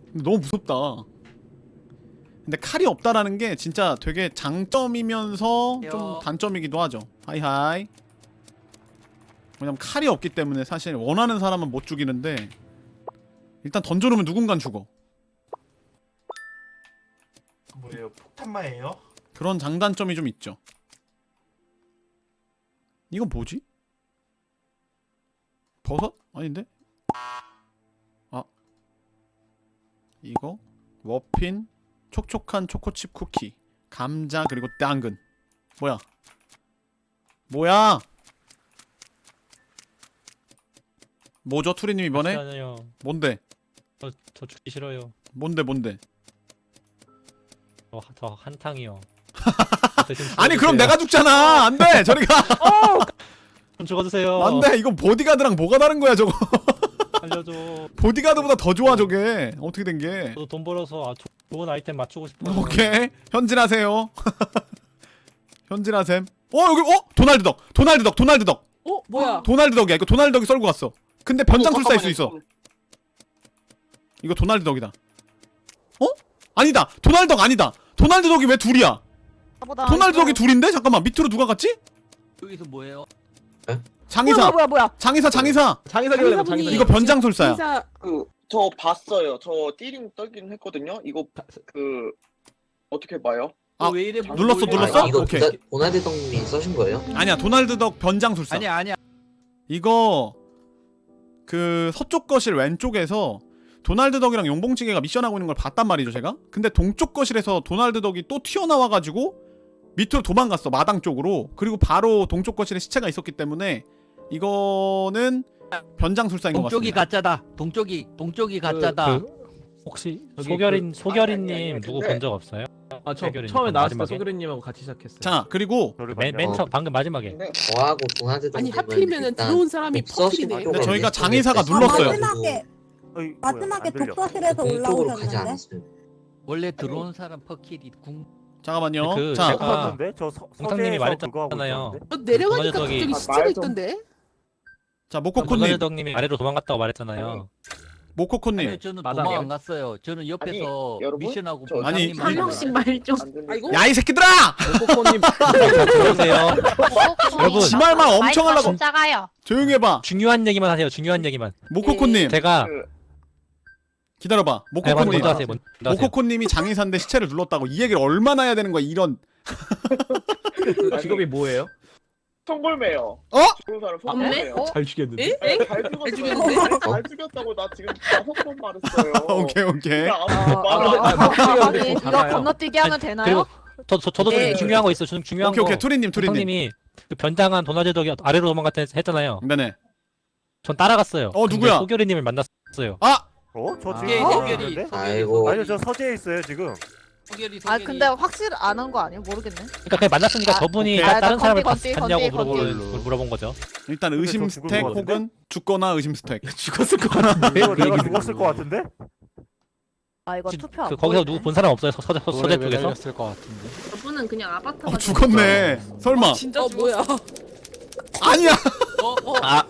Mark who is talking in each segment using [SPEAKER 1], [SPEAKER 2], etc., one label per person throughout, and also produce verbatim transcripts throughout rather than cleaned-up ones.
[SPEAKER 1] 너무 무섭다. 근데 칼이 없다라는 게 진짜 되게 장점이면서 좀 단점이기도 하죠. 하이하이. 왜냐면 칼이 없기 때문에 사실 원하는 사람은 못 죽이는데 일단 던져놓으면 누군간 죽어.
[SPEAKER 2] 뭐예요? 폭탄마예요?
[SPEAKER 1] 그런 장단점이 좀 있죠. 이건 뭐지? 버섯? 아닌데? 아 이거 머핀 촉촉한 초코칩 쿠키 감자 그리고 당근. 뭐야 뭐야 뭐죠 투리님 이번에?
[SPEAKER 3] 아니요.
[SPEAKER 1] 뭔데
[SPEAKER 3] 저, 저 죽기 싫어요.
[SPEAKER 1] 뭔데 뭔데
[SPEAKER 3] 저, 저 한탕이요.
[SPEAKER 1] 아니 그럼 내가 죽잖아. 안돼 저리가.
[SPEAKER 3] 좀 죽어주세요.
[SPEAKER 1] 안돼 이건 보디가드랑 뭐가 다른 거야 저거.
[SPEAKER 3] 알려줘.
[SPEAKER 1] 보디가드보다 더 좋아 저게. 어떻게 된게.
[SPEAKER 3] 저도 돈 벌어서 아, 조, 좋은 아이템 맞추고 싶어요.
[SPEAKER 1] 오케이 현질하세요. 현질하셈. 어 여기 어 도날드 덕 도날드 덕 도날드 덕
[SPEAKER 4] 어? 뭐야?
[SPEAKER 1] 도날드 덕이야. 이거 도날드 덕이 썰고 갔어. 근데 변장술사일 수 있어. 이거 도날드 덕이다. 어? 아니다 도날드 덕 아니다. 도날드 덕이 왜 둘이야? 도날드 덕이 둘인데? 잠깐만 밑으로 누가 갔지?
[SPEAKER 5] 여기서 뭐예요?
[SPEAKER 1] 장의사
[SPEAKER 4] 뭐야 뭐야 뭐야?
[SPEAKER 1] 장의사 장의사
[SPEAKER 6] 장의사길래
[SPEAKER 4] 장의사분이-
[SPEAKER 6] 장의사.
[SPEAKER 1] 이거 변장술사야.
[SPEAKER 4] 기사
[SPEAKER 7] 그 저 봤어요. 저 띠링 떨긴 했거든요. 이거 그 어떻게 봐요?
[SPEAKER 1] 아,
[SPEAKER 5] 왜 이래?
[SPEAKER 1] 눌렀어,
[SPEAKER 5] 뭐
[SPEAKER 1] 눌렀어?
[SPEAKER 5] 이래?
[SPEAKER 8] 이거
[SPEAKER 1] 오케이.
[SPEAKER 8] 도나- 도날드 덕님이 써신 거예요?
[SPEAKER 1] 아니야 도날드 덕 변장술사.
[SPEAKER 5] 아니야 아니야.
[SPEAKER 1] 이거 그 서쪽 거실 왼쪽에서 도날드 덕이랑 용봉찌개가 미션하고 있는 걸 봤단 말이죠 제가. 근데 동쪽 거실에서 도날드 덕이 또 튀어나와가지고 밑으로 도망갔어 마당 쪽으로. 그리고 바로 동쪽 거실에 시체가 있었기 때문에 이거는 변장술사인 것
[SPEAKER 5] 동쪽이
[SPEAKER 1] 같습니다.
[SPEAKER 5] 가짜다. 동쪽이 동쪽이 가짜다.
[SPEAKER 3] 그, 혹시
[SPEAKER 6] 저기
[SPEAKER 3] 소결인
[SPEAKER 7] 그-
[SPEAKER 3] 소결이님
[SPEAKER 7] 아니, 아니, 아니,
[SPEAKER 3] 누구
[SPEAKER 7] 근데-
[SPEAKER 3] 본 적 없어요?
[SPEAKER 6] 아, 저
[SPEAKER 3] 해결이니까,
[SPEAKER 6] 처음에 나왔을 때
[SPEAKER 3] 마지막에?
[SPEAKER 6] 소그리님하고 같이 시작했어요.
[SPEAKER 1] 자 그리고
[SPEAKER 3] 맨 맨 처음 방금 마지막에.
[SPEAKER 7] 근데
[SPEAKER 8] 저하고 도날드
[SPEAKER 4] 아니
[SPEAKER 8] 덕님은
[SPEAKER 4] 하필이면은
[SPEAKER 8] 일단
[SPEAKER 4] 들어온 사람이
[SPEAKER 8] 없어신
[SPEAKER 4] 퍼킬이네.
[SPEAKER 8] 쪽으로
[SPEAKER 1] 근데 저희가
[SPEAKER 8] 리스트를
[SPEAKER 1] 장의사가
[SPEAKER 8] 뺐어요.
[SPEAKER 1] 눌렀어요.
[SPEAKER 9] 마지막에
[SPEAKER 2] 어이,
[SPEAKER 9] 마지막에
[SPEAKER 2] 뭐야, 안 들려.
[SPEAKER 9] 독서실에서
[SPEAKER 8] 동쪽으로 가지
[SPEAKER 9] 올라오셨는데
[SPEAKER 8] 않았어요.
[SPEAKER 5] 원래 들어온 사람 퍼킬이 궁.
[SPEAKER 1] 잠깐만요.
[SPEAKER 3] 그
[SPEAKER 1] 자
[SPEAKER 3] 제가-
[SPEAKER 2] 없었는데? 저 서,
[SPEAKER 3] 공탁님이
[SPEAKER 2] 서재에서 그거 하고
[SPEAKER 3] 말했잖아요.
[SPEAKER 2] 있었는데?
[SPEAKER 4] 어, 내려가니까
[SPEAKER 3] 도날드 덕이-
[SPEAKER 4] 갑자기
[SPEAKER 7] 아,
[SPEAKER 4] 시체가
[SPEAKER 7] 말 좀-
[SPEAKER 4] 있던데?
[SPEAKER 1] 자
[SPEAKER 3] 도날드
[SPEAKER 1] 모코코님
[SPEAKER 3] 덕님이 아래로 도망갔다고 말했잖아요.
[SPEAKER 1] 모코코님
[SPEAKER 5] 아니 저는
[SPEAKER 6] 마당이요?
[SPEAKER 5] 도망 안 갔어요. 저는 옆에서
[SPEAKER 7] 아니, 여러분?
[SPEAKER 5] 미션하고
[SPEAKER 7] 저-
[SPEAKER 1] 아니,
[SPEAKER 5] 공탁님
[SPEAKER 4] 한
[SPEAKER 1] 이-
[SPEAKER 4] 명씩 말 좀.
[SPEAKER 7] 안 들리고.
[SPEAKER 4] 아이고.
[SPEAKER 1] 야 이 새끼들아!
[SPEAKER 6] 코코님
[SPEAKER 3] 자, 들어오세요. 여러분
[SPEAKER 1] 지 말만 엄청 하려고
[SPEAKER 10] 좀 작아요.
[SPEAKER 1] 조용히 해봐.
[SPEAKER 3] 중요한 얘기만 하세요. 중요한 얘기만.
[SPEAKER 1] 모코코님
[SPEAKER 3] 제가
[SPEAKER 7] 그
[SPEAKER 1] 기다려봐.
[SPEAKER 3] 네, 먼저
[SPEAKER 1] 모코코님
[SPEAKER 3] 먼저 하세요. 먼저 하세요.
[SPEAKER 1] 모코코님이 장의사인데 시체를 눌렀다고 이 얘기를 얼마나 해야 되는 거야 이런.
[SPEAKER 6] 그 직업이 뭐예요?
[SPEAKER 7] 송골매요.
[SPEAKER 1] 어?
[SPEAKER 7] 죽은 사람
[SPEAKER 4] 어?
[SPEAKER 7] 송골매요.
[SPEAKER 6] 잘 죽였는데.
[SPEAKER 4] 에?
[SPEAKER 7] 네, 잘 죽었어요.
[SPEAKER 4] 죽였는데?
[SPEAKER 7] 아니, 잘 죽였다고 나 지금 다섯 번 말했어요.
[SPEAKER 1] 오케이 오케이.
[SPEAKER 7] 그러니까 아무도
[SPEAKER 6] 아,
[SPEAKER 7] 말
[SPEAKER 6] 근데-
[SPEAKER 7] 안
[SPEAKER 6] 아, 목소리가 근데
[SPEAKER 4] 아니
[SPEAKER 6] 좀
[SPEAKER 4] 이거
[SPEAKER 6] 작아요.
[SPEAKER 4] 건너뛰기 하면 되나요?
[SPEAKER 3] 그리고 저, 저 저도 좀
[SPEAKER 4] 네.
[SPEAKER 3] 중요한 거 있어요. 좀 중요한
[SPEAKER 1] 오케이
[SPEAKER 3] 거.
[SPEAKER 1] 오케이 투리님 투리님.
[SPEAKER 3] 형님이 그 변장한 도날드 덕이 아래로 도망갔다 했- 했잖아요.
[SPEAKER 1] 네네.
[SPEAKER 3] 전 따라갔어요.
[SPEAKER 1] 어,
[SPEAKER 3] 근데
[SPEAKER 1] 누구야?
[SPEAKER 3] 소결이님을 만났어요.
[SPEAKER 1] 아
[SPEAKER 2] 어? 저 지금
[SPEAKER 5] 예,
[SPEAKER 2] 하고
[SPEAKER 5] 소결이.
[SPEAKER 2] 있는데?
[SPEAKER 8] 아이고.
[SPEAKER 2] 아니요 저 서재에 있어요 지금.
[SPEAKER 5] 소결이
[SPEAKER 4] 아
[SPEAKER 5] 소결이.
[SPEAKER 4] 근데 확실 안 한 거 아니에요? 모르겠네.
[SPEAKER 3] 그러니까 그냥 만났으니까
[SPEAKER 4] 아,
[SPEAKER 3] 저분이
[SPEAKER 1] 오케이.
[SPEAKER 3] 다-
[SPEAKER 4] 아,
[SPEAKER 3] 다른
[SPEAKER 4] 건디,
[SPEAKER 3] 사람을
[SPEAKER 4] 건디,
[SPEAKER 3] 봤, 봤냐고
[SPEAKER 4] 건디,
[SPEAKER 3] 물어보,
[SPEAKER 4] 건디.
[SPEAKER 3] 물어본 거죠.
[SPEAKER 1] 일단
[SPEAKER 2] 근데
[SPEAKER 1] 의심
[SPEAKER 2] 저 죽은
[SPEAKER 1] 스택
[SPEAKER 2] 거 같은데?
[SPEAKER 1] 혹은 죽거나 의심 스택.
[SPEAKER 6] 죽었을 것 같은데.
[SPEAKER 2] 이거 내가 죽었을 것 같은데?
[SPEAKER 9] 아 이거
[SPEAKER 3] 지-
[SPEAKER 9] 투표 안
[SPEAKER 3] 그 거기서
[SPEAKER 9] 보이네.
[SPEAKER 3] 누구 본 사람 없어요? 서, 서, 서, 서재 쪽에서?
[SPEAKER 4] 저분은 그냥 아바타가
[SPEAKER 1] 어 죽었네. 설마.
[SPEAKER 4] 진짜 어, 뭐야?
[SPEAKER 1] 아니야.
[SPEAKER 5] 어, 어.
[SPEAKER 3] 아.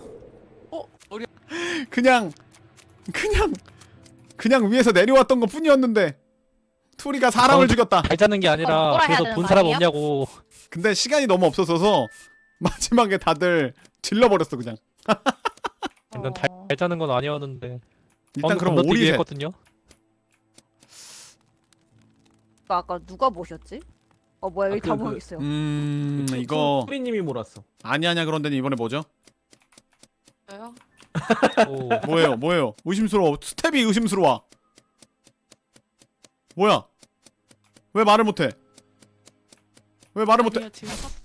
[SPEAKER 1] 그냥 그냥 그냥 위에서 내려왔던 것 뿐이었는데 투리가 사람을
[SPEAKER 3] 어,
[SPEAKER 1] 죽였다.
[SPEAKER 3] 잘 자는 게
[SPEAKER 10] 어,
[SPEAKER 3] 아니라
[SPEAKER 10] 뭐라 해야
[SPEAKER 3] 그래서
[SPEAKER 10] 되는
[SPEAKER 3] 본
[SPEAKER 10] 거
[SPEAKER 3] 사람
[SPEAKER 10] 아니에요?
[SPEAKER 3] 없냐고.
[SPEAKER 1] 근데 시간이 너무 없어서서 마지막에 다들 질러버렸어 그냥.
[SPEAKER 3] 난 잘, 잘 자는 건 아니었는데.
[SPEAKER 1] 일단 그럼
[SPEAKER 3] 건너뛰기
[SPEAKER 1] 오리셋.
[SPEAKER 3] 했거든요.
[SPEAKER 9] 아까 누가 모셨지? 어 뭐야 여기
[SPEAKER 6] 아, 그,
[SPEAKER 9] 다
[SPEAKER 6] 그-
[SPEAKER 9] 모여 있어요.
[SPEAKER 1] 음 이거
[SPEAKER 6] 소리님이 몰았어.
[SPEAKER 1] 아니 아니야 그런데 이번에 뭐죠?
[SPEAKER 4] 저요?
[SPEAKER 3] 오.
[SPEAKER 1] 뭐예요 뭐예요? 의심스러워. 스텝이 의심스러워. 뭐야? 왜 말을 못해? 왜 말을 못해?
[SPEAKER 4] 아니요, 지금 사-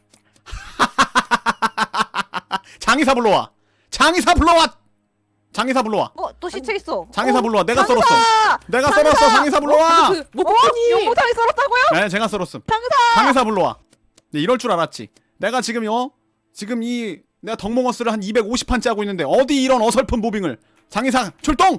[SPEAKER 1] 장의사 불러와. 장의사 불러와. 장의사 불러와.
[SPEAKER 9] 어또 시체 있어.
[SPEAKER 1] 장의사
[SPEAKER 9] 어,
[SPEAKER 1] 불러와. 내가
[SPEAKER 9] 장의사!
[SPEAKER 1] 썰었어. 내가 썰었어. 장의사 불러와.
[SPEAKER 4] 그 목포님
[SPEAKER 9] 용모탕이 썰었다고요?
[SPEAKER 1] 네, 제가 썰었음.
[SPEAKER 9] 장의사!
[SPEAKER 1] 장의사 불러와. 네, 이럴 줄 알았지. 내가 지금 어? 지금 이 내가 덕몽어스를 한 이백오십 판째 하고 있는데 어디 이런 어설픈 모빙을. 장의사 출동!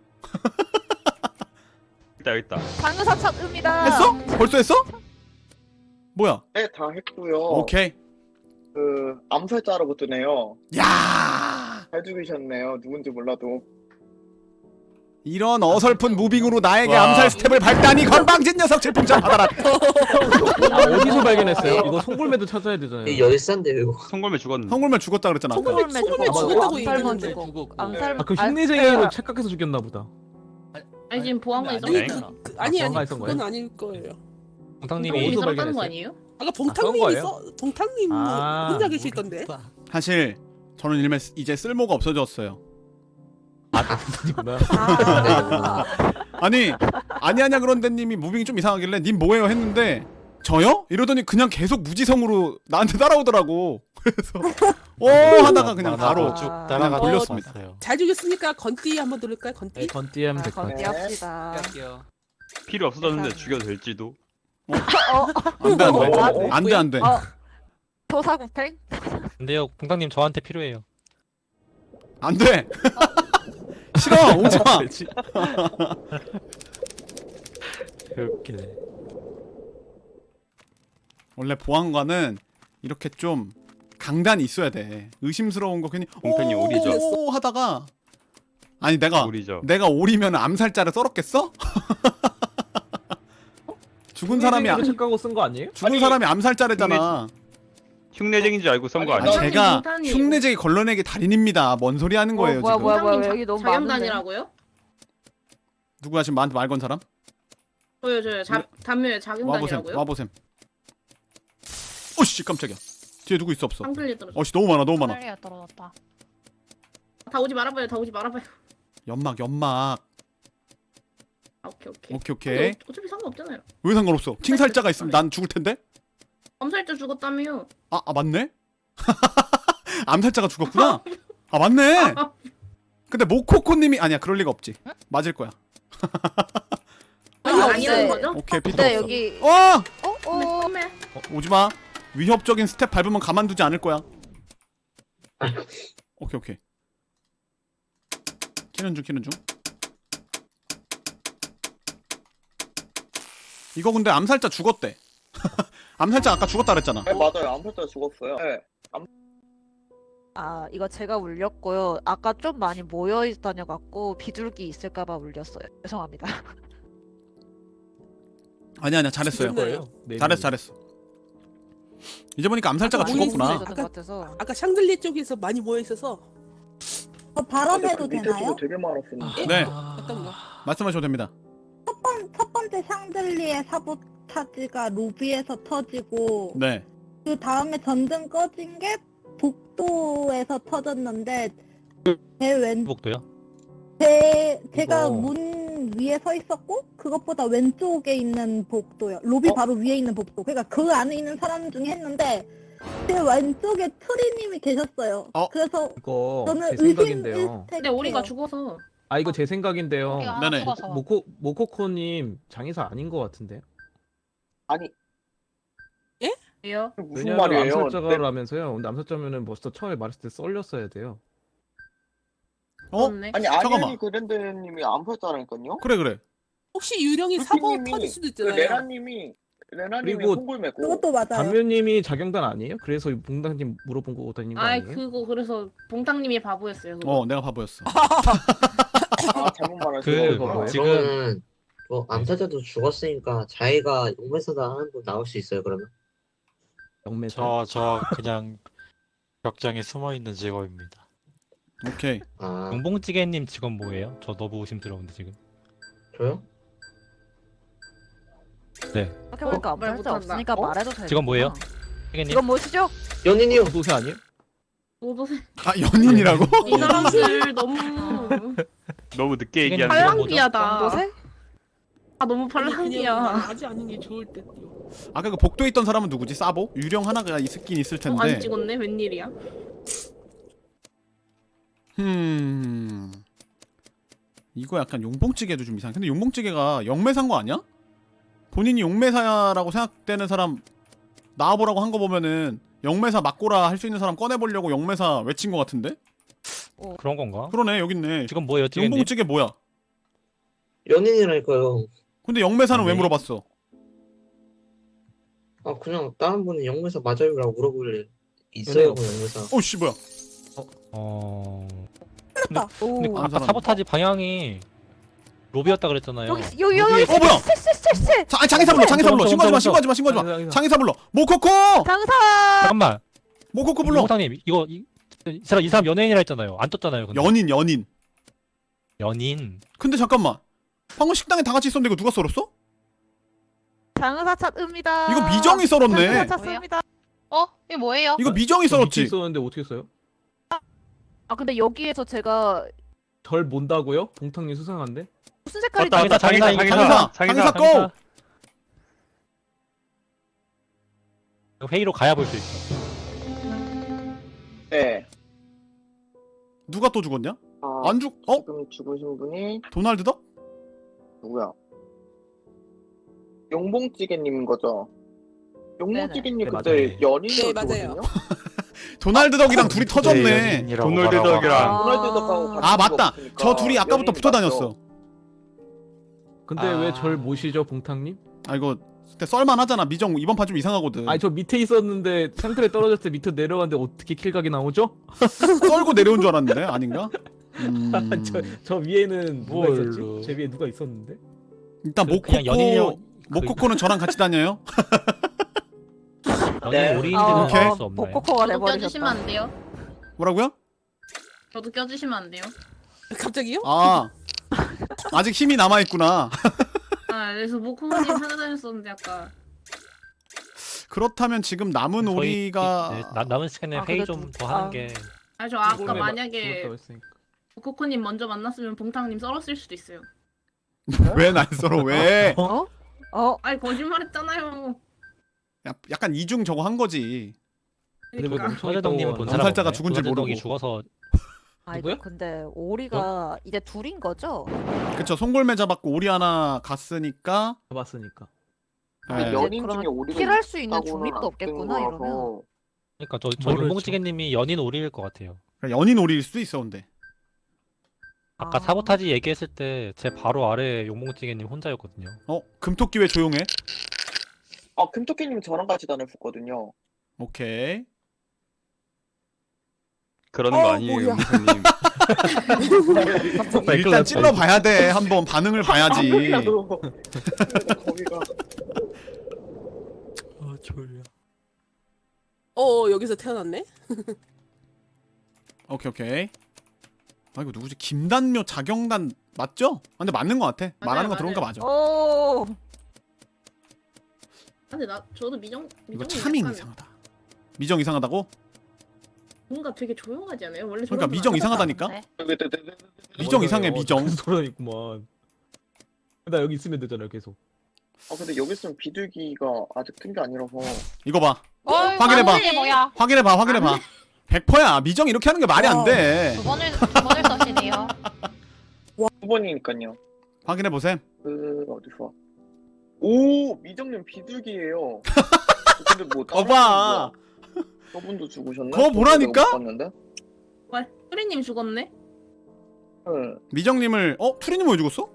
[SPEAKER 6] 있다 있다.
[SPEAKER 9] 장의사 찾습니다.
[SPEAKER 1] 했어? 벌써 했어? 뭐야?
[SPEAKER 7] 네, 다 했고요.
[SPEAKER 1] 오케이.
[SPEAKER 7] 그 암살자라고 뜨네요.
[SPEAKER 1] 야!
[SPEAKER 7] 잘 죽이셨네요. 누군지 몰라도.
[SPEAKER 1] 이런 어설픈 무빙으로 나에게
[SPEAKER 6] 와.
[SPEAKER 1] 암살 스텝을 밟다니 건방진 녀석 질풍전 받아라.
[SPEAKER 3] 아 어디서 발견했어요? 이거 송골매도 찾아야 되잖아요.
[SPEAKER 8] 이 열싼데요 이거.
[SPEAKER 6] 성골매 죽었는데.
[SPEAKER 1] 성골매 죽었다 그랬잖아 아까.
[SPEAKER 4] 송골매
[SPEAKER 3] 송골매
[SPEAKER 4] 죽었고
[SPEAKER 3] 죽었다고
[SPEAKER 4] 암살만
[SPEAKER 5] 얘기했는데
[SPEAKER 4] 죽었고
[SPEAKER 5] 죽었고.
[SPEAKER 4] 암살
[SPEAKER 3] 아 그
[SPEAKER 4] 아,
[SPEAKER 3] 흉내쟁이로
[SPEAKER 4] 아,
[SPEAKER 3] 착각해서 죽였나 보다.
[SPEAKER 4] 아니 지금 보안관이
[SPEAKER 5] 아니,
[SPEAKER 4] 있었잖아.
[SPEAKER 5] 아니,
[SPEAKER 10] 그, 아니 아니
[SPEAKER 3] 그런가 했던
[SPEAKER 10] 그건
[SPEAKER 3] 거예요?
[SPEAKER 10] 아닐 거예요.
[SPEAKER 3] 동탕님이
[SPEAKER 4] 송골매
[SPEAKER 3] 어디서
[SPEAKER 4] 살았다는 거
[SPEAKER 3] 발견했어요?
[SPEAKER 4] 아니에요?
[SPEAKER 10] 아까
[SPEAKER 3] 그런
[SPEAKER 10] 봉탕님이
[SPEAKER 3] 거예요?
[SPEAKER 10] 써 동탕님
[SPEAKER 3] 아,
[SPEAKER 10] 혼자 계실 건데.
[SPEAKER 1] 사실 저는 일매 이제 쓸모가 없어졌어요.
[SPEAKER 3] 아니구나.
[SPEAKER 9] 아,
[SPEAKER 1] 아니 아니 아냐 그런데님이 무빙이 좀 이상하길래 님 뭐예요 했는데 저요? 이러더니 그냥 계속 무지성으로 나한테 따라오더라고. 그래서 어 하다가 그냥 바로
[SPEAKER 9] 쭉
[SPEAKER 1] 그냥 돌렸습니다.
[SPEAKER 10] 잘 죽였으니까 건띠 한번 들을까요?
[SPEAKER 3] 네,
[SPEAKER 10] 건띠.
[SPEAKER 3] 건띠 하면
[SPEAKER 9] 아,
[SPEAKER 3] 될 것 같아요.
[SPEAKER 9] 건띠합시다.
[SPEAKER 5] 할게요.
[SPEAKER 6] 필요 없어졌는데 죽여도 될지도.
[SPEAKER 1] 안돼
[SPEAKER 9] 어,
[SPEAKER 1] 안돼 안돼 안돼.
[SPEAKER 9] 어. 토사구팽?
[SPEAKER 3] 근데요, 공당님 저한테 필요해요.
[SPEAKER 1] 안돼. 싫어 오지마.
[SPEAKER 3] 그렇게.
[SPEAKER 1] 원래 보안관은 이렇게 좀 강단이 있어야 돼. 의심스러운 거 괜히
[SPEAKER 6] 공편이
[SPEAKER 1] 오,
[SPEAKER 6] 오리죠.
[SPEAKER 1] 오 하다가 아니 내가
[SPEAKER 6] 우리죠.
[SPEAKER 1] 내가 오리면 암살자를 썰었겠어? 죽은 사람이 아-
[SPEAKER 3] 흉내쟁이로 착각하고 쓴 거 아니에요?
[SPEAKER 1] 죽은
[SPEAKER 6] 아니,
[SPEAKER 1] 사람이 암살자래잖아.
[SPEAKER 6] 흉내쟁인 줄 알고 썬 거
[SPEAKER 7] 아니,
[SPEAKER 6] 아니야?
[SPEAKER 1] 아, 제가
[SPEAKER 4] 동탄이에요.
[SPEAKER 1] 흉내쟁이 걸러내기 달인입니다. 뭔 소리 하는 거예요
[SPEAKER 9] 어, 뭐야,
[SPEAKER 1] 지금?
[SPEAKER 9] 뭐야, 뭐야,
[SPEAKER 4] 동탄님
[SPEAKER 9] 여기 너무
[SPEAKER 4] 자경단이라고요?
[SPEAKER 1] 누구야 지금 나한테 말 건 사람?
[SPEAKER 4] 저요 저요 자 단묘에
[SPEAKER 1] 와보셈
[SPEAKER 4] 자경단이라고요?
[SPEAKER 1] 와보셈. 오씨 깜짝이야. 뒤에 누구 있어 없어?
[SPEAKER 4] 쌍클리 떨어져.
[SPEAKER 1] 어씨 너무 많아 너무 많아.
[SPEAKER 4] 쌍클리가 떨어졌다. 다 오지 말아봐요. 다 오지 말아봐요.
[SPEAKER 1] 연막 연막.
[SPEAKER 4] 아, 오케이 오케이.
[SPEAKER 1] 오케이 오케이.
[SPEAKER 4] 근데 어, 어차피 상관없잖아요.
[SPEAKER 1] 왜 상관없어? 칭살자가 있으면 난 죽을 텐데?
[SPEAKER 4] 암살자 죽었다며요.
[SPEAKER 1] 아, 아 맞네? 암살자가 죽었구나? 아 맞네! 근데 모코코님이 아니야 그럴 리가 없지. 맞을 거야.
[SPEAKER 4] 아니
[SPEAKER 9] 아,
[SPEAKER 4] 아니라는
[SPEAKER 9] 네.
[SPEAKER 4] 거죠?
[SPEAKER 1] 오케이 피터
[SPEAKER 9] 근데
[SPEAKER 1] 없어.
[SPEAKER 9] 여기
[SPEAKER 1] 어!
[SPEAKER 9] 어?
[SPEAKER 4] 선배
[SPEAKER 9] 어?
[SPEAKER 4] 선배.
[SPEAKER 1] 어, 오지마. 위협적인 스텝 밟으면 가만두지 않을 거야. 오케이 오케이. 키는 중 키는 중. 이거 근데 암살자 죽었대. 암살자 아까 죽었다 그랬잖아.
[SPEAKER 7] 네, 맞아요. 암살자 죽었어요. 네.
[SPEAKER 9] 아 이거 제가 울렸고요. 아까 좀 많이 모여 다녀갖고 비둘기 있을까봐 울렸어요. 죄송합니다.
[SPEAKER 1] 아니 아니야 잘했어요.
[SPEAKER 10] 거예요?
[SPEAKER 3] 네,
[SPEAKER 1] 잘했어 잘했어. 이제 보니까 암살자가
[SPEAKER 10] 아까
[SPEAKER 1] 죽었구나.
[SPEAKER 10] 모르겠어요.
[SPEAKER 9] 것 같아서.
[SPEAKER 10] 아까 샹들리 쪽에서 많이 모여 있어서
[SPEAKER 11] 저 발언해도
[SPEAKER 7] 밑에
[SPEAKER 11] 되나요?
[SPEAKER 7] 도 되게 많았었는데.
[SPEAKER 1] 네
[SPEAKER 10] 어떤 거?
[SPEAKER 1] 말씀하셔도 됩니다.
[SPEAKER 11] 첫, 번, 첫 번째 샹들리의 사보타지가 로비에서 터지고
[SPEAKER 1] 네.
[SPEAKER 11] 그 다음에 전등 꺼진 게 복도에서 터졌는데 제 왼,
[SPEAKER 3] 복도요?
[SPEAKER 11] 제, 제가
[SPEAKER 3] 이거-
[SPEAKER 11] 문 위에 서 있었고 그것보다 왼쪽에 있는 복도요. 로비
[SPEAKER 1] 어?
[SPEAKER 11] 바로 위에 있는 복도. 그러니까 그 안에 있는 사람 중에 했는데 제 왼쪽에 트리님이 계셨어요.
[SPEAKER 1] 어?
[SPEAKER 11] 그래서
[SPEAKER 3] 이거
[SPEAKER 11] 저는
[SPEAKER 3] 제
[SPEAKER 11] 의심
[SPEAKER 3] 생각인데요.
[SPEAKER 11] 일택.
[SPEAKER 4] 근데 오리가 죽어서.
[SPEAKER 3] 아 이거 제 생각인데요.
[SPEAKER 1] 네네.
[SPEAKER 3] 모코 모코코님 장의사 아닌 것 같은데.
[SPEAKER 7] 아니
[SPEAKER 4] 왜요?
[SPEAKER 7] 무슨
[SPEAKER 3] 왜냐면
[SPEAKER 7] 말이에요? 네.
[SPEAKER 3] 암살자라면서요. 근데 암살자면은 벌써 처음에 말했을 때 썰렸어야 돼요.
[SPEAKER 1] 어?
[SPEAKER 4] 그렇네.
[SPEAKER 7] 아니
[SPEAKER 1] 잠깐만.
[SPEAKER 7] 아니아니 그랜드님이 암살자라니까요.
[SPEAKER 1] 그래 그래.
[SPEAKER 10] 혹시 유령이 사보
[SPEAKER 7] 루피님이
[SPEAKER 10] 터질 수도
[SPEAKER 7] 그
[SPEAKER 10] 있잖아요.
[SPEAKER 7] 레나님이 레나님이
[SPEAKER 3] 그리고
[SPEAKER 7] 송골매고.
[SPEAKER 11] 그것도 맞아요.
[SPEAKER 3] 단면님이 자경단 아니에요? 그래서 봉당님 물어본 거 다닌 거
[SPEAKER 4] 아이
[SPEAKER 3] 아니에요?
[SPEAKER 4] 그거 그래서 봉탕님이 바보였어요. 그거.
[SPEAKER 1] 어 내가 바보였어.
[SPEAKER 7] 아 잘못 말하신
[SPEAKER 3] 그
[SPEAKER 7] 거구나.
[SPEAKER 3] 뭐, 지금-
[SPEAKER 8] 그러면은 뭐 암살자도 죽었으니까 자기가 용매사다 하는 분 나올 수 있어요 그러면?
[SPEAKER 3] 영매사.
[SPEAKER 12] 저, 저 그냥 벽장에 숨어 있는 직업입니다.
[SPEAKER 1] 오케이.
[SPEAKER 8] 아
[SPEAKER 3] 용봉찌개님 직업 뭐예요? 저 너무 의심스러운데 지금.
[SPEAKER 8] 저요?
[SPEAKER 9] 생각해보니까
[SPEAKER 4] 어, 말
[SPEAKER 9] 암살자
[SPEAKER 4] 못한다.
[SPEAKER 9] 없으니까
[SPEAKER 4] 어?
[SPEAKER 9] 말해도 돼.
[SPEAKER 3] 직업 뭐예요? 찌개님?
[SPEAKER 9] 이건 뭐시죠?
[SPEAKER 8] 연인이요.
[SPEAKER 3] 도세 아니에요?
[SPEAKER 4] 모도세.
[SPEAKER 1] 아 연인이라고?
[SPEAKER 4] 이 사람들 너무
[SPEAKER 6] 너무 늦게
[SPEAKER 3] 이게
[SPEAKER 6] 얘기하는
[SPEAKER 3] 뭐죠?
[SPEAKER 4] 팔랑귀하다.
[SPEAKER 9] 연도세?
[SPEAKER 4] 아 너무
[SPEAKER 10] 그냥
[SPEAKER 4] 팔랑귀야.
[SPEAKER 10] 하지 않는 게 좋을 듯요.
[SPEAKER 1] 아까 그 복도에 있던 사람은 누구지? 사보? 유령 하나가 있긴 있을
[SPEAKER 4] 어,
[SPEAKER 1] 텐데.
[SPEAKER 4] 안 찍었네. 웬일이야?
[SPEAKER 1] 음. 이거 약간 용봉찌개도 좀 이상해. 근데 용봉찌개가 영매사인 거 아니야? 본인이 용매사라고 생각되는 사람 나와보라고 한 거 보면은 영매사 맞고라 할 수 있는 사람 꺼내보려고 영매사 외친 거 같은데?
[SPEAKER 3] 그런 건가?
[SPEAKER 1] 그러네 여기 있네.
[SPEAKER 3] 지금 뭐예요, 찌개님?
[SPEAKER 1] 용봉찌개 뭐야?
[SPEAKER 8] 연인이라니까요.
[SPEAKER 1] 근데 영매사는 왜
[SPEAKER 3] 네.
[SPEAKER 1] 물어봤어?
[SPEAKER 8] 아 그냥 다른 분이 용매사 맞아요라고 물어볼래. 있어요 그 용매사.
[SPEAKER 1] 어씨 뭐야?
[SPEAKER 3] 어.
[SPEAKER 11] 틀렸다.
[SPEAKER 3] 근데
[SPEAKER 9] 오.
[SPEAKER 3] 아까
[SPEAKER 1] 사람.
[SPEAKER 3] 사보타지 방향이 로비였다 그랬잖아요.
[SPEAKER 9] 여기 여기 여기
[SPEAKER 1] 어, 뭐야?
[SPEAKER 9] 쎄쎄쎄쎄
[SPEAKER 1] 자, 아니, 장의사 불러. 장의사 불러. 신고하지 마.
[SPEAKER 3] 잠깐만,
[SPEAKER 1] 신고하지 마. 신고하지 마.
[SPEAKER 3] 장의사.
[SPEAKER 1] 장의사 불러. 모코코!
[SPEAKER 9] 장사
[SPEAKER 3] 잠깐만.
[SPEAKER 1] 모코코 불러.
[SPEAKER 3] 홍상님 이거 이, 이 사람 이 사람 연예인이라 했잖아요. 안 떴잖아요. 근데.
[SPEAKER 1] 연인, 연인.
[SPEAKER 3] 연인.
[SPEAKER 1] 근데 잠깐만. 방금 식당에 다 같이 있었는데 이거 누가 썰었어?
[SPEAKER 9] 장사 찾읍니다.
[SPEAKER 1] 이거 미정이 썰었네.
[SPEAKER 9] 장사 찾습니다.
[SPEAKER 13] 어? 이게 뭐예요?
[SPEAKER 1] 이거 미정이 썰었지.
[SPEAKER 3] 있었는데 어떻게 써요?
[SPEAKER 9] 아 근데 여기에서 제가
[SPEAKER 3] 절 뭔다고요? 봉탕님 수상한데?
[SPEAKER 9] 무슨 색깔이
[SPEAKER 3] 맞다,
[SPEAKER 9] 나왔다.
[SPEAKER 3] 장의사,
[SPEAKER 6] 장의사,
[SPEAKER 1] 장의사,
[SPEAKER 6] 장의사,
[SPEAKER 1] 장의사 고!
[SPEAKER 3] 회의로 가야 볼 수 있어.
[SPEAKER 7] 네.
[SPEAKER 1] 누가 또 죽었냐?
[SPEAKER 7] 아,
[SPEAKER 1] 안 죽, 어?
[SPEAKER 7] 지금 죽으신 분이
[SPEAKER 1] 도날드 덕?
[SPEAKER 7] 누구야? 용봉찌개님인 거죠? 용봉찌개님
[SPEAKER 3] 네네.
[SPEAKER 7] 그때
[SPEAKER 3] 네,
[SPEAKER 7] 연인으로
[SPEAKER 10] 네, 맞아요.
[SPEAKER 7] 죽었거든요?
[SPEAKER 1] 도날드 덕이랑 둘이 터졌네.
[SPEAKER 12] 연인이라고
[SPEAKER 6] 도널드
[SPEAKER 12] 말하고
[SPEAKER 6] 덕이랑.
[SPEAKER 9] 아.
[SPEAKER 7] 도널드 덕하고 같이
[SPEAKER 1] 아, 맞다.
[SPEAKER 7] 죽었으니까
[SPEAKER 1] 저 둘이 아까부터
[SPEAKER 7] 연인이
[SPEAKER 1] 붙어
[SPEAKER 7] 맞죠?
[SPEAKER 1] 다녔어.
[SPEAKER 3] 근데
[SPEAKER 1] 아.
[SPEAKER 3] 왜 절 모시죠, 봉탕님?
[SPEAKER 1] 아, 이거 그때 썰만하잖아. 미정 이번 판 좀 이상하거든.
[SPEAKER 3] 아니 저 밑에 있었는데 상태에 떨어졌을 때 밑으로 내려갔는데 어떻게 킬각이 나오죠?
[SPEAKER 1] 썰고 내려온 줄 알았는데 아닌가? 음...
[SPEAKER 3] 저, 저 위에는 누가
[SPEAKER 12] 뭘로.
[SPEAKER 3] 있었지? 제 위에 누가 있었는데?
[SPEAKER 1] 일단
[SPEAKER 3] 그- 그냥 연인이요-
[SPEAKER 1] 모코코 모코코는 저랑 같이 다녀요.
[SPEAKER 3] 연인
[SPEAKER 7] 네.
[SPEAKER 3] 오리인지는
[SPEAKER 9] 어,
[SPEAKER 1] 오케이.
[SPEAKER 3] 알수 없나요?
[SPEAKER 9] 모코코가
[SPEAKER 4] 저도 껴주시면
[SPEAKER 9] 돼버리셨다.
[SPEAKER 4] 안 돼요?
[SPEAKER 1] 뭐라고요?
[SPEAKER 4] 저도 껴주시면 안 돼요?
[SPEAKER 10] 갑자기요?
[SPEAKER 1] 아 아직 힘이 남아 있구나.
[SPEAKER 4] 아 그래서 모코님 찾아다녔었는데 아까.
[SPEAKER 1] 그렇다면 지금 남은
[SPEAKER 3] 저희-
[SPEAKER 1] 오리가
[SPEAKER 3] 네, 나, 남은 시간에
[SPEAKER 9] 아,
[SPEAKER 3] 회의
[SPEAKER 9] 그래도-
[SPEAKER 3] 좀 더
[SPEAKER 9] 아.
[SPEAKER 3] 하는 게
[SPEAKER 4] 아 저 아까
[SPEAKER 3] 죽었다고
[SPEAKER 4] 만약에
[SPEAKER 3] 했으니까.
[SPEAKER 4] 모코코님 먼저 만났으면 봉탕님 썰었을 수도 있어요.
[SPEAKER 1] 왜 날 썰어 왜?
[SPEAKER 9] 어? 어?
[SPEAKER 4] 아니 거짓말했잖아요.
[SPEAKER 1] 야, 약간 이중 저거 한 거지.
[SPEAKER 3] 근데 왜
[SPEAKER 4] 그러니까.
[SPEAKER 3] 서재덕님은 본 사람
[SPEAKER 1] 암살자가
[SPEAKER 3] 없네?
[SPEAKER 1] 죽은 줄
[SPEAKER 3] 서재덕이
[SPEAKER 1] 모르고.
[SPEAKER 3] 죽어서
[SPEAKER 9] 아
[SPEAKER 3] 누구야?
[SPEAKER 9] 이거 근데 오리가 이제 둘인 거죠?
[SPEAKER 1] 그쵸, 송골매 잡았고 오리 하나 갔으니까.
[SPEAKER 3] 잡았으니까.
[SPEAKER 7] 근데
[SPEAKER 1] 네.
[SPEAKER 7] 연인
[SPEAKER 9] 그러면
[SPEAKER 7] 중에 오리가
[SPEAKER 9] 킬할 수 있는
[SPEAKER 7] 있다고는
[SPEAKER 9] 중립도
[SPEAKER 7] 안
[SPEAKER 9] 없겠구나,
[SPEAKER 7] 뜬
[SPEAKER 9] 이러면.
[SPEAKER 7] 거라서.
[SPEAKER 3] 그러니까 저, 저
[SPEAKER 12] 모르죠.
[SPEAKER 3] 용봉찌개님이 연인 오리일 것 같아요.
[SPEAKER 1] 연인 오리일 수도 있어 근데.
[SPEAKER 3] 아까
[SPEAKER 9] 아.
[SPEAKER 3] 사보타지 얘기했을 때 제 바로 아래 용봉찌개님 혼자였거든요.
[SPEAKER 1] 어 금토끼 왜 조용해?
[SPEAKER 7] 아 금토끼님 저랑 같이 다녔었거든요.
[SPEAKER 1] 오케이.
[SPEAKER 6] 그러는
[SPEAKER 10] 어,
[SPEAKER 6] 거 아니에요,
[SPEAKER 10] 뭐야.
[SPEAKER 6] 용사님.
[SPEAKER 1] 일단 찔러 봐야 돼. 한번 반응을 봐야지.
[SPEAKER 7] 거기가 거기가
[SPEAKER 12] 아 졸려.
[SPEAKER 10] 어 여기서 태어났네?
[SPEAKER 1] 오케이 오케이. 아 이거 누구지? 김단묘 자경단 맞죠? 아, 근데 맞는 거 같아.
[SPEAKER 4] 맞아요,
[SPEAKER 1] 말하는 거 들어온 거
[SPEAKER 4] 맞아요.
[SPEAKER 1] 맞아.
[SPEAKER 9] 오.
[SPEAKER 4] 근데 나 저도 미정
[SPEAKER 1] 이거
[SPEAKER 4] 미정이
[SPEAKER 1] 차밍
[SPEAKER 4] 약간
[SPEAKER 1] 이상하다. 미정 이상하다고?
[SPEAKER 4] 뭔가 되게 조용하지 않아요? 원래
[SPEAKER 1] 그러니까
[SPEAKER 4] 저런
[SPEAKER 1] 미정
[SPEAKER 4] 분
[SPEAKER 1] 이상하다니까?
[SPEAKER 4] 안
[SPEAKER 1] 미정 이상해 미정.
[SPEAKER 3] 돌아다녔구만. 나 여기 있으면 되잖아요 계속.
[SPEAKER 7] 아 근데 여기 있으면 비둘기가 아직 뜬 게 아니라서.
[SPEAKER 1] 이거 봐.
[SPEAKER 13] 어,
[SPEAKER 1] 확인해봐.
[SPEAKER 13] 이게 뭐야?
[SPEAKER 1] 확인해봐 확인해봐. 백 퍼센트야. 미정 이렇게 하는 게 말이 안 돼.
[SPEAKER 13] 두 번을 두 번을 써시네요.
[SPEAKER 7] 두 번이니까요.
[SPEAKER 1] 확인해 보셈.
[SPEAKER 7] 그 어디서? 오 미정님 비둘기예요. 근데 뭐 다른
[SPEAKER 1] 거봐.
[SPEAKER 7] 분도- 저분도 죽으셨네.
[SPEAKER 1] 그거 보라니까?
[SPEAKER 7] 저도 못 봤는데.
[SPEAKER 4] 와 수리님 죽었네?
[SPEAKER 7] 응.
[SPEAKER 1] 미정님을 어? 투리님 왜 죽었어?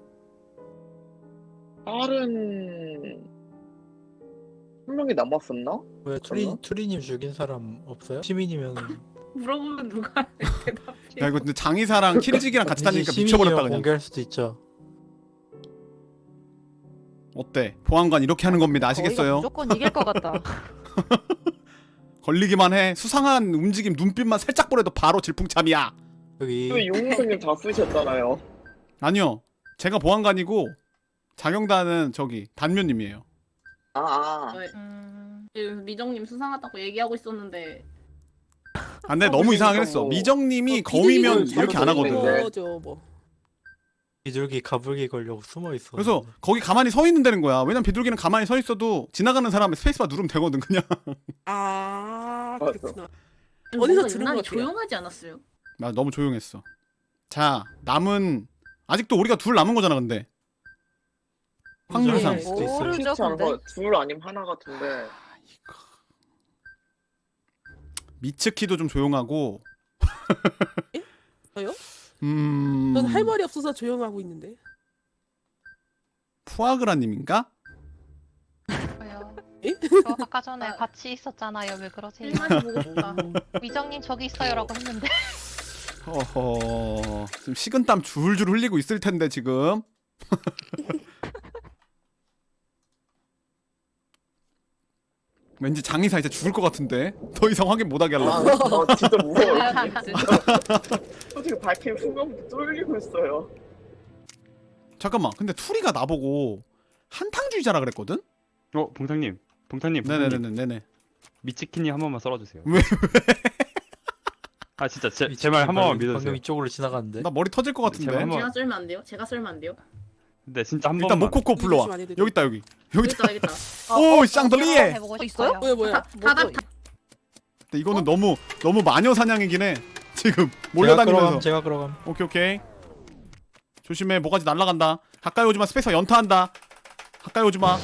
[SPEAKER 7] 다른 한 명이 남았었나?
[SPEAKER 12] 왜 투리 투리님 죽인 사람 없어요? 시민이면
[SPEAKER 4] 물어보면 누가 대답해?
[SPEAKER 1] 야 이거 근데 장의사랑 키리지기랑 같이 다니니까
[SPEAKER 12] 시민이면
[SPEAKER 1] 미쳐버렸다 그냥.
[SPEAKER 12] 공개할 수도 있죠.
[SPEAKER 1] 어때? 보안관 이렇게 하는 겁니다.
[SPEAKER 9] 저희가
[SPEAKER 1] 아시겠어요?
[SPEAKER 9] 무조건 이길 것 같다.
[SPEAKER 1] 걸리기만 해. 수상한 움직임 눈빛만 살짝 보래도 바로 질풍참이야.
[SPEAKER 12] 여기
[SPEAKER 7] 왜 용우선님 다 쓰셨잖아요.
[SPEAKER 1] 아니요. 제가 보안관이고 자경단은 저기 단묘님이에요.
[SPEAKER 7] 아, 아.
[SPEAKER 4] 네.
[SPEAKER 13] 음,
[SPEAKER 4] 지금 미정님 수상하다고 얘기하고 있었는데
[SPEAKER 1] 아, 근데
[SPEAKER 7] 어,
[SPEAKER 1] 너무
[SPEAKER 7] 그러니까
[SPEAKER 1] 이상하긴 했어.
[SPEAKER 7] 뭐-
[SPEAKER 1] 미정님이
[SPEAKER 10] 어,
[SPEAKER 1] 거미면
[SPEAKER 10] 비둘기는
[SPEAKER 1] 이렇게 안 하거든.
[SPEAKER 7] 네.
[SPEAKER 10] 거죠 뭐.
[SPEAKER 12] 비둘기 가불기 걸려고 숨어 있어.
[SPEAKER 1] 그래서 거기 가만히 서 있는 데는 거야. 왜냐면 비둘기는 가만히 서 있어도 지나가는 사람의 스페이스바 누르면 되거든 그냥.
[SPEAKER 10] 아
[SPEAKER 7] 맞아.
[SPEAKER 10] 그렇구나.
[SPEAKER 4] 뭔가
[SPEAKER 10] 어디서 들은
[SPEAKER 4] 유난히
[SPEAKER 10] 것 같아요.
[SPEAKER 4] 조용하지 않았어요?
[SPEAKER 1] 나 너무 조용했어. 자 남은 아직도 우리가 둘 남은 거잖아 근데. 확률상.
[SPEAKER 10] 네.
[SPEAKER 12] 수도 있어요.
[SPEAKER 9] 모르죠
[SPEAKER 7] 그렇지 않은
[SPEAKER 9] 근데.
[SPEAKER 7] 거 둘 아니면 하나 같은데.
[SPEAKER 1] 미츠키도 좀 조용하고.
[SPEAKER 10] 예? 저요?
[SPEAKER 1] 음.
[SPEAKER 10] 전 할 말이 없어서 조용하고 있는데.
[SPEAKER 1] 푸아그라님인가?
[SPEAKER 13] 왜요?
[SPEAKER 10] 예?
[SPEAKER 13] 저 아까 전에 같이 있었잖아요. 왜 그러세요?
[SPEAKER 4] 일만이 보고 싶다.
[SPEAKER 13] 미정님 저기 있어요라고 했는데.
[SPEAKER 1] 어허. 지금 식은땀 줄줄 흘리고 있을 텐데 지금. 왠지 장의사 이제 죽을 것 같은데 더 이상 확인 못하게
[SPEAKER 7] 아,
[SPEAKER 1] 하려고.
[SPEAKER 7] 아 진짜 무서워요. 솔직히 밝힌 순간부터 쫄리고 있어요.
[SPEAKER 1] 잠깐만 근데 투리가 나보고 한탕주의자라 그랬거든?
[SPEAKER 6] 어 봉탕님 봉탕님 봉탕님.
[SPEAKER 1] 네네네네네.
[SPEAKER 6] 미치키니 한 번만 썰어주세요.
[SPEAKER 1] 왜?
[SPEAKER 6] 아 진짜 제 제 말 한 번만 믿어주세요.
[SPEAKER 12] 방금 이쪽으로 지나갔는데.
[SPEAKER 1] 나 머리 터질 것 같은데.
[SPEAKER 6] 제발 한번-
[SPEAKER 4] 제가 썰면 안 돼요? 제가 썰면 안 돼요?
[SPEAKER 6] 근데 진짜 한
[SPEAKER 1] 일단
[SPEAKER 6] 번만.
[SPEAKER 1] 모코코 불러와.
[SPEAKER 10] 조심 안 해도
[SPEAKER 1] 여기 있다 여기. 여기
[SPEAKER 4] 여기
[SPEAKER 1] 있다.
[SPEAKER 4] 있다 여기 있다.
[SPEAKER 1] 오 샹들리에.
[SPEAKER 13] 해보고
[SPEAKER 9] 있어요?
[SPEAKER 13] 싶어요.
[SPEAKER 10] 뭐야 뭐야?
[SPEAKER 4] 다다
[SPEAKER 1] 근데 이거는 너무 너무 마녀 사냥이긴 해. 지금
[SPEAKER 12] 제가
[SPEAKER 1] 몰려다니면서.
[SPEAKER 12] 끌어감. 제가 끌어감.
[SPEAKER 1] 오케이 오케이. 조심해 뭐가지 날라간다. 가까이 오지마 스페이서 연타한다. 가까이 오지마.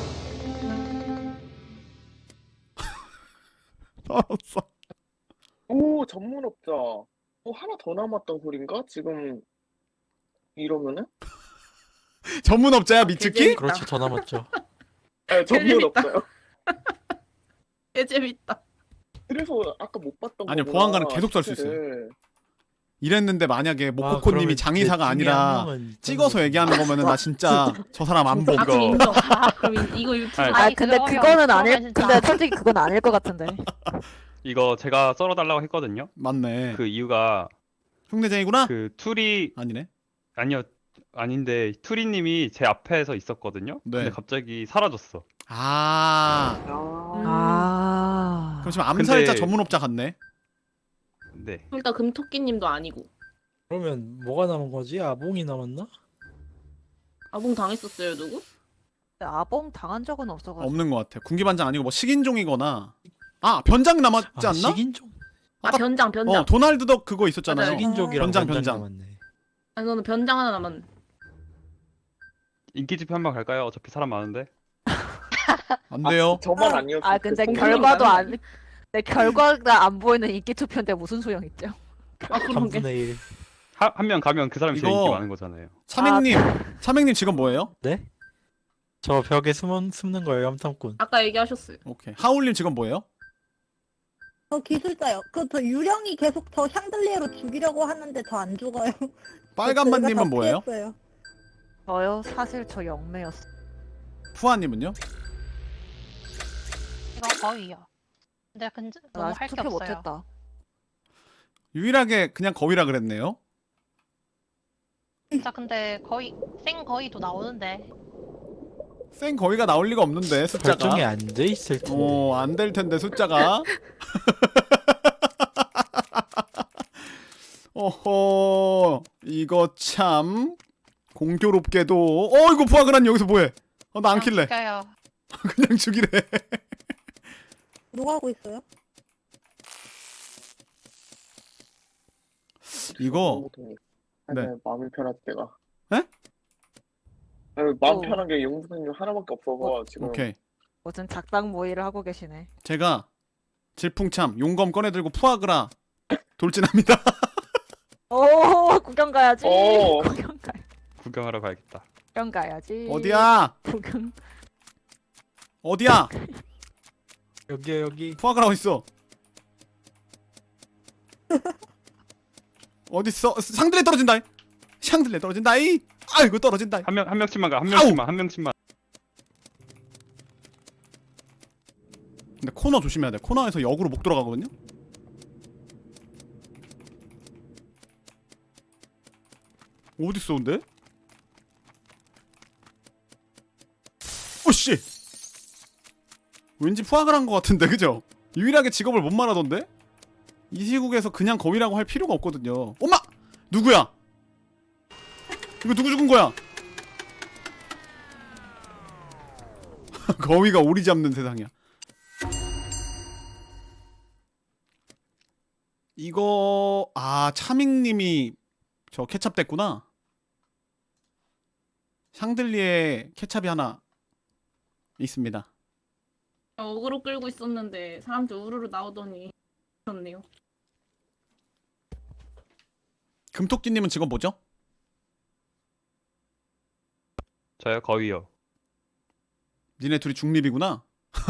[SPEAKER 1] 알았어.
[SPEAKER 7] 오 전문업자. 어 하나 더 남았던 소린가? 지금 이러면은?
[SPEAKER 1] 전문업자야 미츠키?
[SPEAKER 4] 재밌다.
[SPEAKER 12] 그렇죠. 더 남았죠.
[SPEAKER 7] 네, 전문업자요.
[SPEAKER 4] 개 재밌다.
[SPEAKER 7] 그래서 아까 못 봤던
[SPEAKER 1] 아니요,
[SPEAKER 7] 거구나,
[SPEAKER 1] 보안관은 계속 썰수 있어요.
[SPEAKER 7] 시체를.
[SPEAKER 1] 이랬는데 만약에
[SPEAKER 12] 아,
[SPEAKER 1] 모코코님이
[SPEAKER 12] 그러면
[SPEAKER 1] 장의사가
[SPEAKER 12] 내 중에 한
[SPEAKER 1] 아니라
[SPEAKER 12] 명은
[SPEAKER 1] 찍어서 얘기하는 거면은 나 진짜 저 사람 안 봄.
[SPEAKER 4] 아 그럼
[SPEAKER 6] 이거-
[SPEAKER 4] 인정. 아, 그럼 이- 이거 유튜브.
[SPEAKER 6] 아니,
[SPEAKER 9] 아
[SPEAKER 13] 아니,
[SPEAKER 9] 근데
[SPEAKER 13] 그러면-
[SPEAKER 9] 그거는 아닐.
[SPEAKER 13] 그러면 진짜-
[SPEAKER 9] 근데 솔직히 그건 아닐 것 같은데.
[SPEAKER 6] 이거 제가 썰어달라고 했거든요.
[SPEAKER 1] 맞네.
[SPEAKER 6] 그 이유가
[SPEAKER 1] 흉내쟁이구나?
[SPEAKER 6] 그 투리
[SPEAKER 1] 아니네.
[SPEAKER 6] 아니요 아닌데 투리님이 제 앞에서 있었거든요.
[SPEAKER 1] 네.
[SPEAKER 6] 근데 갑자기 사라졌어.
[SPEAKER 1] 아.
[SPEAKER 7] 아,
[SPEAKER 9] 아.
[SPEAKER 1] 그럼 지금 암살자
[SPEAKER 6] 근데-
[SPEAKER 1] 전문업자 같네.
[SPEAKER 6] 네.
[SPEAKER 4] 일단 금토끼님도 아니고.
[SPEAKER 12] 그러면 뭐가 남은 거지? 아봉이 남았나?
[SPEAKER 4] 아봉 당했었어요 누구?
[SPEAKER 9] 아봉 당한 적은 없어가지고.
[SPEAKER 1] 없는 것 같아. 군기반장 아니고 뭐 식인종이거나. 아 변장 남았지
[SPEAKER 12] 아,
[SPEAKER 1] 않나?
[SPEAKER 12] 식인종.
[SPEAKER 4] 아
[SPEAKER 1] 아까-
[SPEAKER 4] 변장 변장.
[SPEAKER 1] 어 도날드 덕 그거 있었잖아요.
[SPEAKER 4] 맞아요.
[SPEAKER 12] 식인종이랑
[SPEAKER 1] 변장,
[SPEAKER 12] 변장,
[SPEAKER 1] 변장.
[SPEAKER 12] 남았네.
[SPEAKER 4] 아니 너는 변장 하나 남았.
[SPEAKER 6] 인기 투표 한번 갈까요? 어차피 사람 많은데.
[SPEAKER 1] 안 돼요.
[SPEAKER 7] 아, 저만 아니었어.
[SPEAKER 9] 아 근데
[SPEAKER 7] 그
[SPEAKER 9] 결과도
[SPEAKER 4] 공룡이
[SPEAKER 9] 안. 내 결과가 안 보이는 인기 투표인데 무슨 소용 있죠?
[SPEAKER 4] 아 그러게.
[SPEAKER 12] 삼분의 일.
[SPEAKER 6] 한 명 가면 그 사람이 제일
[SPEAKER 1] 이거-
[SPEAKER 6] 인기 많은 거잖아요.
[SPEAKER 1] 차맹님, 차맹님 직업 뭐예요?
[SPEAKER 12] 네? 저 벽에 숨은 숨는 거예요, 염탐꾼.
[SPEAKER 4] 아까 얘기하셨어요.
[SPEAKER 1] 오케이. 하울님 직업 뭐예요?
[SPEAKER 11] 저 기술자요. 그 저 유령이 계속 저 샹들리에로 죽이려고 하는데 저 안 죽어요.
[SPEAKER 1] 빨간만님은
[SPEAKER 11] 제가 다
[SPEAKER 1] 뭐예요?
[SPEAKER 11] 피했어요.
[SPEAKER 9] 저요 사실 저 영매였어.
[SPEAKER 1] 푸아님은요?
[SPEAKER 13] 이거 거의요. 근데 근데
[SPEAKER 9] 나
[SPEAKER 13] 너무
[SPEAKER 9] 아직
[SPEAKER 13] 할 게
[SPEAKER 9] 투표
[SPEAKER 13] 없어요.
[SPEAKER 9] 못했다.
[SPEAKER 1] 유일하게 그냥 거위라 그랬네요.
[SPEAKER 13] 진짜 근데 거의 생 거의도 나오는데.
[SPEAKER 1] 생 거위가 나올 리가 없는데 숫자가.
[SPEAKER 12] 결정이 안 돼 있을 텐데.
[SPEAKER 1] 어, 안 될 텐데 숫자가. 어허, 이거 참 공교롭게도. 어, 이거 부하그란 여기서 뭐해? 어, 나 안 킬래.
[SPEAKER 13] 죽여요.
[SPEAKER 1] 그냥 죽이래.
[SPEAKER 11] 누가 하고 있어요?
[SPEAKER 1] 이거 네.
[SPEAKER 7] 네. 마음이 편할 때가.
[SPEAKER 1] 에?
[SPEAKER 7] 아니, 마음
[SPEAKER 9] 어.
[SPEAKER 7] 편한 게 용부님 하나밖에 없어서 지금.
[SPEAKER 1] 오케이.
[SPEAKER 9] 무슨 작당 모의를 하고 계시네.
[SPEAKER 1] 제가 질풍참 용검 꺼내 들고 푸아그라 돌진합니다.
[SPEAKER 9] 오 구경 가야지.
[SPEAKER 7] 오.
[SPEAKER 9] 구경 가.
[SPEAKER 6] 구경하러 가야겠다.
[SPEAKER 9] 구경 가야지.
[SPEAKER 1] 어디야?
[SPEAKER 9] 구경.
[SPEAKER 1] 어디야?
[SPEAKER 12] 여기 여기.
[SPEAKER 1] 푸아그라 어딨어? 어딨어? 상들레 떨어진다. 샹들레 떨어진다. 이. 아이고 떨어진다.
[SPEAKER 6] 한 명 한 명씩만 가. 한 명씩만 한 명씩만.
[SPEAKER 1] 근데 코너 조심해야 돼. 코너에서 역으로 목 들어가거든요. 어딨어 근데? 오씨. 왠지 푸악을 한 것 같은데 그죠? 유일하게 직업을 못 말하던데? 이 시국에서 그냥 거위라고 할 필요가 없거든요. 엄마! 누구야? 이거 누구 죽은 거야? 거위가 오리 잡는 세상이야. 이거 아 차밍님이 저 케찹 됐구나. 샹들리에 케찹이 하나 있습니다.
[SPEAKER 4] 어그로 끌고 있었는데 사람들 우르르 나오더니 그렇네요.
[SPEAKER 1] 금토끼님은 직업 뭐죠?
[SPEAKER 6] 저요 거위요.
[SPEAKER 1] 니네 둘이 중립이구나.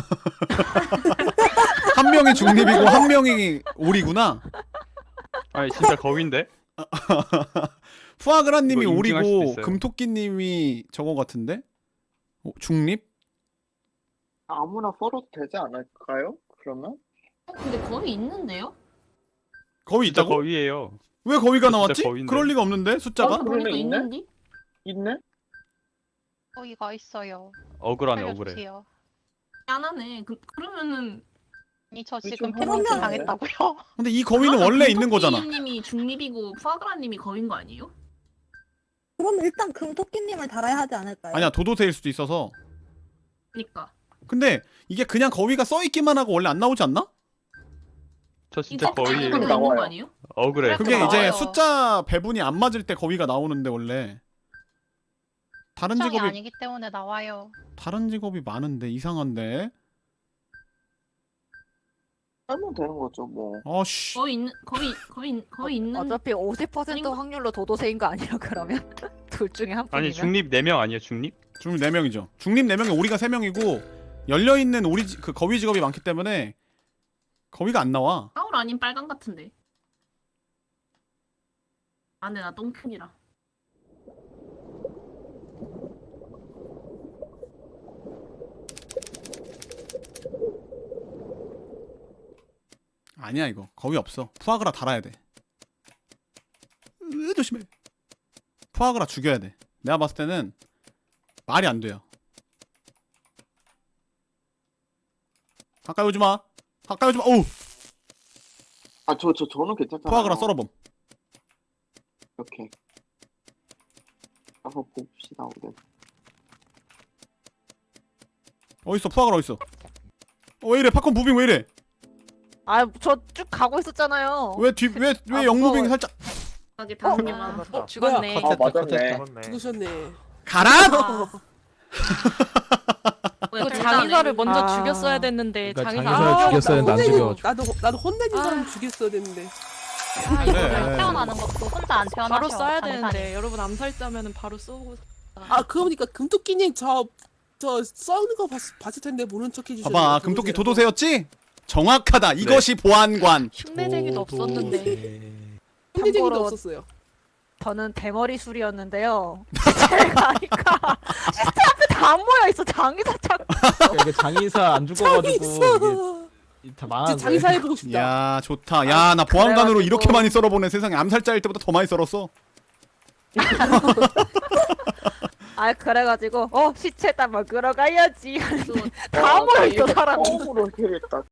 [SPEAKER 1] 한 명이 중립이고 한 명이 오리구나.
[SPEAKER 6] 아니 진짜 거위인데?
[SPEAKER 1] 푸아그라님이
[SPEAKER 6] 이거 인증할 수도
[SPEAKER 1] 오리고
[SPEAKER 6] 있어요.
[SPEAKER 1] 금토끼님이 저거 같은데? 어, 중립?
[SPEAKER 7] 아무나 썰어도 되지 않을까요? 그러면?
[SPEAKER 4] 어, 근데 거위 있는데요?
[SPEAKER 1] 거위
[SPEAKER 6] 진짜
[SPEAKER 1] 있다고?
[SPEAKER 6] 거위예요.
[SPEAKER 1] 왜 거위가
[SPEAKER 6] 진짜
[SPEAKER 1] 나왔지?
[SPEAKER 6] 거위인데.
[SPEAKER 1] 그럴 리가 없는데 숫자가?
[SPEAKER 4] 어, 보니까
[SPEAKER 7] 있네?
[SPEAKER 4] 있는데?
[SPEAKER 7] 있네?
[SPEAKER 13] 거기가 있어요.
[SPEAKER 6] 억울하네 억울해.
[SPEAKER 13] 살려주세요.
[SPEAKER 4] 미안하네. 그, 그러면은
[SPEAKER 13] 아니 저
[SPEAKER 7] 그게
[SPEAKER 13] 지금
[SPEAKER 7] 좀
[SPEAKER 13] 패러팅
[SPEAKER 11] 그러면-
[SPEAKER 13] 당했다고요?
[SPEAKER 1] 근데 이 거위는 원래 있는 거잖아.
[SPEAKER 4] 님이 중립이고 푸아그라님이 거인 거 아니에요?
[SPEAKER 11] 그럼 일단 금토끼님을 달아야 하지 않을까요?
[SPEAKER 1] 아니야 도도새일 수도 있어서.
[SPEAKER 4] 그니까.
[SPEAKER 1] 근데 이게 그냥 거위가 써있기만 하고 원래 안 나오지 않나?
[SPEAKER 6] 저 진짜
[SPEAKER 4] 이거
[SPEAKER 6] 거위예요.
[SPEAKER 4] 있는
[SPEAKER 7] 나와요.
[SPEAKER 4] 거 아니에요?
[SPEAKER 6] 억울해.
[SPEAKER 13] 그래.
[SPEAKER 1] 그게 이제
[SPEAKER 13] 나와요.
[SPEAKER 1] 숫자 배분이 안 맞을 때 거위가 나오는데 원래 다른
[SPEAKER 13] 특정이
[SPEAKER 1] 직업이
[SPEAKER 13] 아니기 때문에 나와요.
[SPEAKER 1] 다른 직업이 많은데 이상한데.
[SPEAKER 7] 하면 되는 거죠 뭐.
[SPEAKER 1] 아씨.
[SPEAKER 4] 거의 있는 거의 거의 거의 있는
[SPEAKER 9] 어차피 오십 퍼센트
[SPEAKER 4] 아닌가?
[SPEAKER 9] 확률로 도도새인 거 아니야 그러면? 둘 중에 한
[SPEAKER 6] 아니
[SPEAKER 9] 분이면?
[SPEAKER 6] 중립 네 명 아니에요 중립?
[SPEAKER 1] 중립 네 명이죠. 중립 네 명에 오리가 세 명이고 열려 있는 오리 지- 그 거위 직업이 많기 때문에 거위가 안 나와.
[SPEAKER 4] 하울 아닌 빨강 같은데. 아 근데 나 똥큰이라.
[SPEAKER 1] 아니야 이거 거위 없어. 푸아그라 달아야 돼. 으, 조심해. 푸아그라 죽여야 돼. 내가 봤을 때는 말이 안 돼요. 가까이 오지 마. 가까이 오지 마. 오.
[SPEAKER 7] 아 저 저 저는 괜찮잖아요.
[SPEAKER 1] 푸아그라 썰어봄.
[SPEAKER 7] 이렇게. 한번 봅시다 우리.
[SPEAKER 1] 어딨어 푸아그라 어딨어? 어, 왜 이래 팝콘 무빙 왜 이래?
[SPEAKER 9] 아 저 쭉 가고 있었잖아요.
[SPEAKER 1] 왜 뒤 왜 왜
[SPEAKER 9] 아,
[SPEAKER 1] 영무빙이
[SPEAKER 9] 무서워요.
[SPEAKER 1] 살짝
[SPEAKER 4] 하게
[SPEAKER 9] 어?
[SPEAKER 4] 다음이야.
[SPEAKER 10] 어,
[SPEAKER 9] 죽었네.
[SPEAKER 7] 아 맞았네.
[SPEAKER 2] 잡았네.
[SPEAKER 10] 죽으셨네.
[SPEAKER 1] 가라?
[SPEAKER 9] 그 장의사를 먼저
[SPEAKER 10] 아.
[SPEAKER 9] 죽였어야 됐는데
[SPEAKER 12] 그러니까
[SPEAKER 9] 장의사
[SPEAKER 12] 장의사를
[SPEAKER 9] 아,
[SPEAKER 12] 죽였어야 했는데 안
[SPEAKER 10] 혼내는-
[SPEAKER 12] 죽여가지고.
[SPEAKER 10] 나도 나도 혼내는
[SPEAKER 9] 아.
[SPEAKER 10] 사람 죽였어야 됐는데.
[SPEAKER 9] 아, 이거
[SPEAKER 1] 그래.
[SPEAKER 13] 태어나는 것도 혼자 안 태어나셔.
[SPEAKER 9] 바로 써야
[SPEAKER 13] 장사님.
[SPEAKER 9] 되는데 여러분 암살자면은 바로 쏘고.
[SPEAKER 10] 아 그러니까 금토끼님 저 저 써는 거 봤, 봤을 텐데 모른 척 해주셨네.
[SPEAKER 1] 봐봐 금토끼 도도새였지? 정확하다. 이것이 보안관.
[SPEAKER 9] 흉내쟁이도 없었는데.
[SPEAKER 10] 혼내쟁이도
[SPEAKER 9] 참고로-
[SPEAKER 10] 없었어요.
[SPEAKER 9] 저는 대머리 술이었는데요. 제가 하니까 시체 앞에 다 안 모여 있어. 장의사 찾고.
[SPEAKER 12] 그러니까 이게 장의사 안 죽어가지고
[SPEAKER 10] 장의사.
[SPEAKER 12] 이게 다
[SPEAKER 10] 이제
[SPEAKER 12] 망한
[SPEAKER 10] 장의사 해보고 싶다.
[SPEAKER 1] 야 좋다. 야 나 보안관으로
[SPEAKER 9] 그래가지고-
[SPEAKER 1] 이렇게 많이 썰어보네. 세상에 암살자일 때보다 더 많이 썰었어.
[SPEAKER 9] 아 그래가지고 어 시체 딱 먹으러 가야지.
[SPEAKER 7] 와,
[SPEAKER 9] 다 모여 있어
[SPEAKER 7] 이거
[SPEAKER 9] 사람이.
[SPEAKER 7] 처음으로 해야겠다.